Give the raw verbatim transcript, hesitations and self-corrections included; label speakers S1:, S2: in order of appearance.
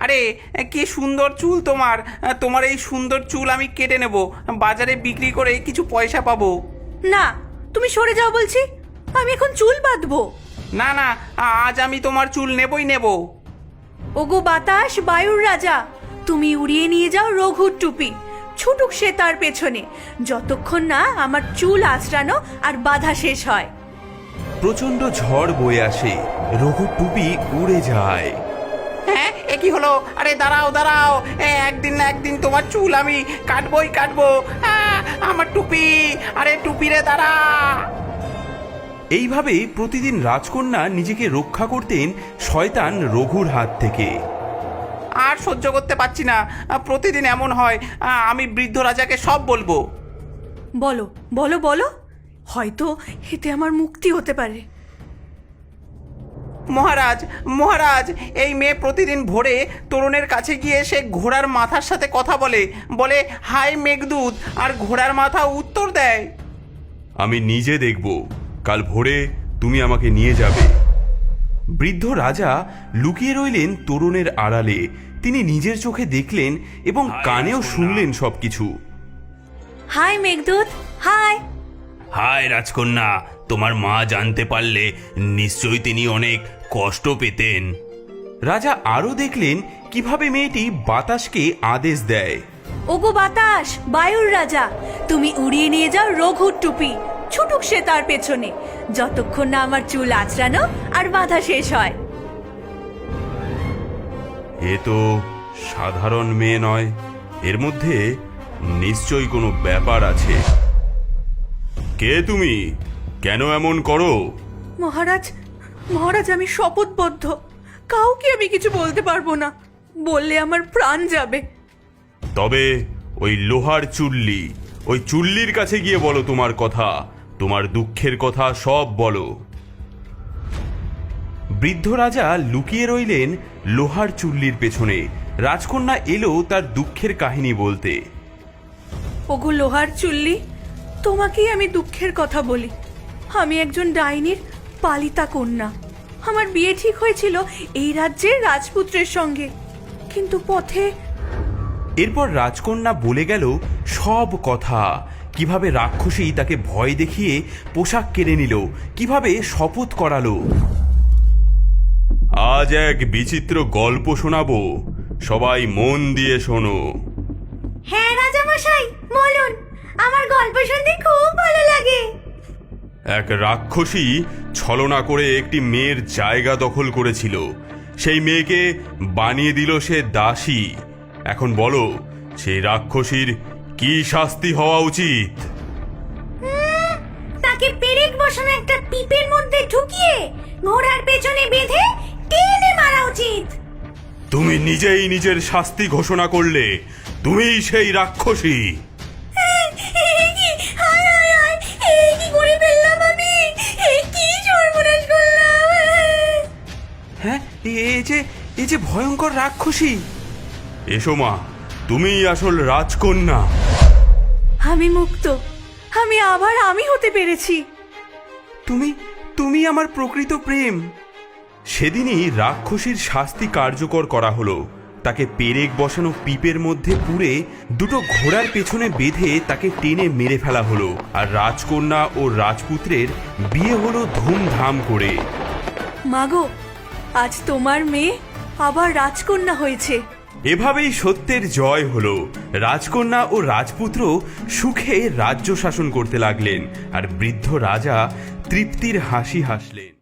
S1: আরে কি সুন্দর চুল তোমার, তোমার এই সুন্দর চুল আমি কেটে নেব, বাজারে বিক্রি করে কিছু পয়সা পাবো।
S2: না, তুমি সরে যাও বলছি, আমি এখন চুল বাঁধবো।
S1: না না, আজ আমি তোমার চুল নেবই নেব।
S2: ওগো বাতাস, বায়ুর রাজা, তুমি উড়িয়ে নিয়ে যাও রঘুর টুপি, ছুটুক সে তার পেছনে, যতক্ষণ না আমার চুল আঁচড়ানো আর বাধা শেষ হয়।
S3: প্রচন্ড ঝড় বয়ে আসে, রঘুর টুপি উড়ে যায়।
S1: হ্যাঁ, এ কি হলো? আরে দাঁড়াও দাঁড়াও, একদিন না একদিন তোমার চুল আমি কাটবই কাটবো। আহ, আমার টুপি, আরে টুপি রে দাঁড়া।
S3: এইভাবে প্রতিদিন রাজকন্যা নিজেকে রক্ষা করতেন শয়তান রঘুর হাত থেকে।
S1: আর সহ্য করতে পারছি না, প্রতিদিন এমন হয়। আমি বৃদ্ধ রাজাকে সব বলবো।
S2: বলো বলো বলো, হয়তো এতে আমার মুক্তি হতে পারে।
S1: মহারাজ মহারাজ, এই মেয়ে প্রতিদিন ভোরে তরুণের কাছে গিয়ে সে ঘোড়ার মাথার সাথে কথা বলে, বলে হাই মেঘদূত, আর ঘোড়ার মাথা উত্তর দেয়।
S3: আমি নিজে দেখব, কাল ভোরে তুমি আমাকে নিয়ে যাবে। বৃদ্ধ রাজা লুকিয়ে রইলেন তরুণের আড়ালে। তিনি নিজের চোখে দেখলেন এবং কানেও শুনলেন সবকিছু।
S2: High Meghaduta, high.
S3: হায় রাজকন্যা, তোমার মা জানতে পারলে নিশ্চয়ই তিনি অনেক কষ্ট পেতেন। রাজা আরো দেখলেন কিভাবে মেয়েটি বাতাসকে আদেশ দেয়।
S2: ওগো বাতাস, বায়ুর রাজা, তুমি উড়িয়ে নিয়ে যাও রঘুর টুপি, ছুটুক সে তার পেছনে, যতক্ষণ না আমার চুল আঁচড়ানো আর বাধা শেষ হয়।
S3: এ তো সাধারণ মেয়ে নয়, এর মধ্যে নিশ্চয়ই কোনো ব্যাপার আছে। কে তুমি? কেন এমন করো?
S2: মহারাজ, মহারাজ, আমি শপথবদ্ধ, কাউকে আমি কিছু বলতে পারবো না, বললে আমার প্রাণ যাবে।
S3: তবে ওই লোহার চুল্লি, ওই চুল্লির কাছে গিয়ে বলো তোমার কথা, তোমার দুঃখের কথা সব বলো। বৃদ্ধ রাজা লুকিয়ে রইলেন লোহার চুল্লির পেছনে। রাজকন্যা এলো তার দুঃখের কাহিনী বলতে।
S2: ওগো লোহার চুল্লি, তোমাকেই আমি দুঃখের কথা বলি। আমি একজন ডাইনির পালিতা কন্যা। আমার বিয়ে ঠিক হয়েছিল এই রাজ্যের রাজপুত্রের সঙ্গে, কিন্তু পথে।
S3: এরপর রাজকন্যা বলে গেল সব কথা, কিভাবে রাক্ষসী তাকে ভয় দেখিয়ে পোশাক কেড়ে নিল, কিভাবে শপথ করালো। আজ এক বিচিত্র গল্প শোনাবো, সবাই মন দিয়ে শোনো।
S2: হ্যাঁ রাজামশাই, বলুন, আমার গল্প শুনতে খুব ভালো লাগে।
S3: এক রাক্ষসী ছলনা করে একটি মেয়ের জায়গা দখল করেছিল। সেই মেয়েকে বানিয়ে দিল সে দাসী। এখন বলো, সেই রাক্ষসীর কি শাস্তি হওয়া উচিত?
S2: তাকে পেরেক বসানো একটা পিপের মধ্যে ঢুকিয়ে ঘোড়ার পেছনে বেঁধে টেনে মারা উচিত।
S3: তুমি নিজেই নিজের শাস্তি ঘোষণা করলে, তুমিই সেই রাক্ষসী।
S1: হ্যাঁ, এই যে এই যে ভয়ঙ্কর রাক্ষসী।
S3: এসো মা, তুমিই আসল রাজকন্যা।
S2: আমি মুক্ত, আমি আবার আমি হতে পেরেছি।
S1: তুমি তুমি আমার প্রকৃত প্রেম।
S3: সেদিনই রাক্ষসীর শাস্তি কার্যকর করা হলো। তাকে পেরেক বসানো পিপের মধ্যে পুরে দুটো ঘোড়ার পেছনে বেঁধে তাকে টেনে মেরে ফেলা হলো। আর রাজকন্যা ও রাজপুত্রের বিয়ে হলো ধুমধাম করে।
S2: মাগো, আজ তোমার মেয়ে আবার রাজকন্যা হয়েছে।
S3: এভাবেই সত্যের জয় হলো। রাজকন্যা ও রাজপুত্র সুখে রাজ্য শাসন করতে লাগলেন, আর বৃদ্ধ রাজা তৃপ্তির হাসি হাসলেন।